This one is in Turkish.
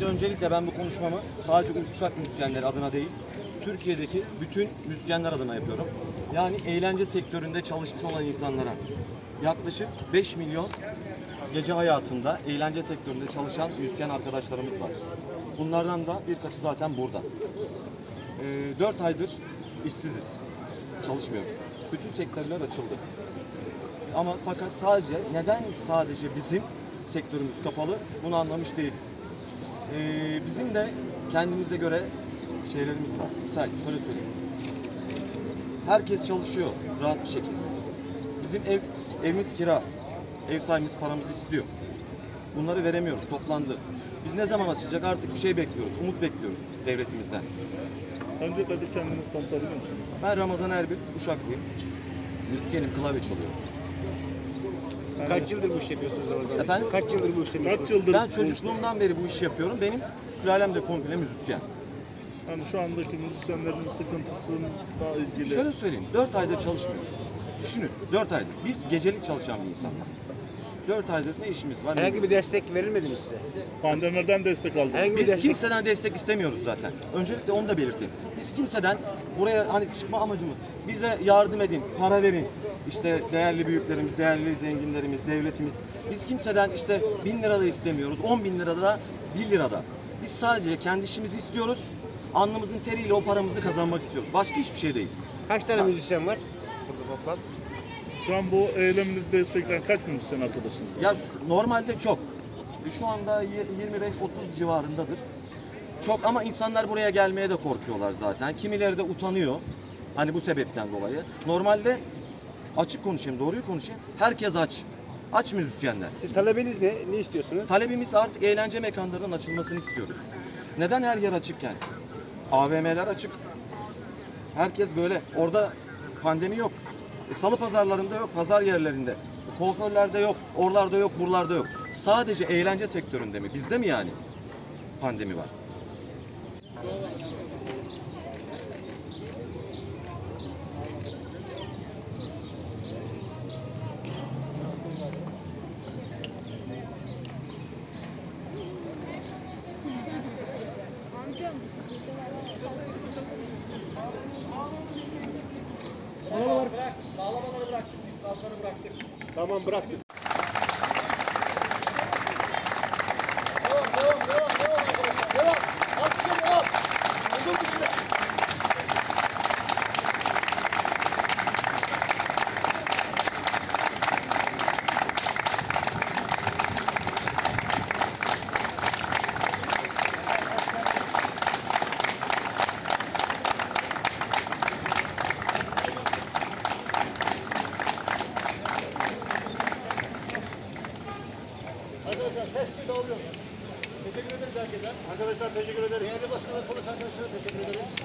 Şimdi öncelikle ben bu konuşmamı sadece Uşak müzisyenleri adına değil, Türkiye'deki bütün müzisyenler adına yapıyorum. Yani eğlence sektöründe çalışmış olan insanlara yaklaşık 5 milyon gece hayatında eğlence sektöründe çalışan müzisyen arkadaşlarımız var. Bunlardan da birkaçı zaten burada. 4 aydır işsiziz, çalışmıyoruz. Bütün sektörler açıldı. Ama fakat neden sadece bizim sektörümüz kapalı bunu anlamış değiliz. Bizim de kendimize göre şeylerimiz var. Misal şöyle söyleyeyim. Herkes çalışıyor rahat bir şekilde. Bizim evimiz kira. Ev sahibimiz paramızı istiyor. Bunları veremiyoruz. Toplandı. Biz ne zaman açacak artık bir şey bekliyoruz. Umut bekliyoruz devletimizden. Öncelikle kendinizi tanıtabilir misiniz? Ben Ramazan Erbil, Uşaklıyım. Müzisyenim, klavye çalıyorum. Kaç yıldır bu işi yapıyorsunuz Ramazan Bey? Efendim? Kaç yıldır bu işi Kaç yapıyorsunuz? yıldır Ben bu çocukluğumdan beri bu işi yapıyorum. Benim sülalem de komple müzisyen. işte- Yani şu andaki müzisyenlerin sıkıntısıyla ilgili. Şöyle söyleyeyim, 4 aydır çalışmıyoruz. Düşünün, 4 aydır. Biz gecelik çalışan bir insanlarız. 4 aydır ne işimiz var? Herhangi bir destek verilmedi mi size? Pandemiden destek aldık. Herhangi bir Biz destek. kimseden destek istemiyoruz zaten. Öncelikle onu da belirteyim. Biz kimseden buraya hani çıkma amacımız bize yardım edin, para verin. İşte değerli büyüklerimiz, değerli zenginlerimiz, devletimiz. Biz kimseden işte 1000 lira da istemiyoruz, 10 bin lira da, 1 lira da. Biz sadece kendi işimizi istiyoruz. Alnımızın teriyle o paramızı kazanmak istiyoruz. Başka hiçbir şey değil. Kaç tane müzisyen var burada toplam? Şu an bu eyleminizi destekleyen kaç müzisyen arkadaşınız var? Ya normalde çok. Şu anda 25-30 civarındadır. Çok ama insanlar buraya gelmeye de korkuyorlar zaten. Kimileri de utanıyor. Hani bu sebepten dolayı. Normalde açık konuşayım, doğruyu konuşayım. Herkes aç. Aç müzisyenler. Siz talebiniz ne? Ne istiyorsunuz? Talebimiz artık eğlence mekanlarının açılmasını istiyoruz. Neden her yer açıkken? AVM'ler açık. Herkes böyle. Orada pandemi yok. Salı pazarlarında yok, pazar yerlerinde. Kuaförlerde yok, oralarda yok, buralarda yok. Sadece eğlence sektöründe mi? Bizde mi yani pandemi var? Bağlamaları bıraktık, biz sazları bıraktık. Tamam bıraktık. Devam. Alkışa devam. Uzun bir süre. Arkadaşlar sessiz dağılıyor. Teşekkür ederiz herkese. Arkadaşlar teşekkür ederiz. Değerli basın ve polis arkadaşlara teşekkür ederiz.